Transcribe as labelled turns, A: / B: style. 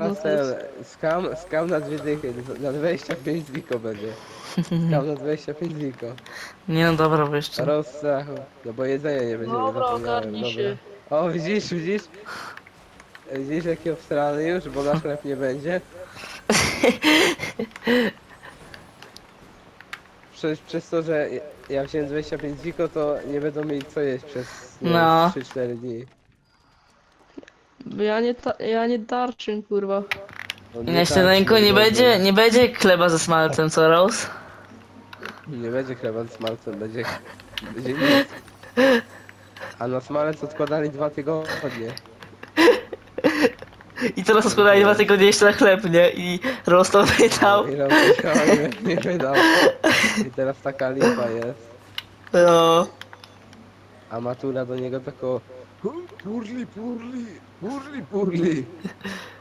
A: teraz
B: to
A: ten
B: jest...
A: skam na 2 dychy, na 25 ziko będzie. Skam na 25 ziko.
B: Nie no dobra, bo jeszcze...
A: Rozstrachu. No bo jedzenia nie będzie, nie
B: Dobra,
A: zapomniałem,
B: ogarnij
A: dobra.
B: się.
A: O, widzisz, widzisz? Widzisz jaki obstrany już, bo nasz chleb nie będzie? Przez to, że ja wziąłem 25 ziko, to nie będą mieli co jeść przez, nie wiem, z
B: No.
A: 3-4 dni.
B: Ja nie darczym, kurwa.
A: No nie
B: Jeszcze
A: tarczy,
B: Neńko
A: no
B: nie
A: gorzej.
B: będzie, nie będzie chleba ze smalcem, co Rose?
A: Nie będzie chleba z smalcem, będzie nic. A na smalec odkładali 2 tygodnie.
B: I teraz
A: Więc
B: składali 2 tygodnie
A: wiesz.
B: jeszcze na chleb, nie? I Rose to
A: No
B: wydał.
A: i raz wziął i nie wydał. I teraz taka lipa jest.
B: No.
A: A matura do niego tako purli, purli, purli, purli.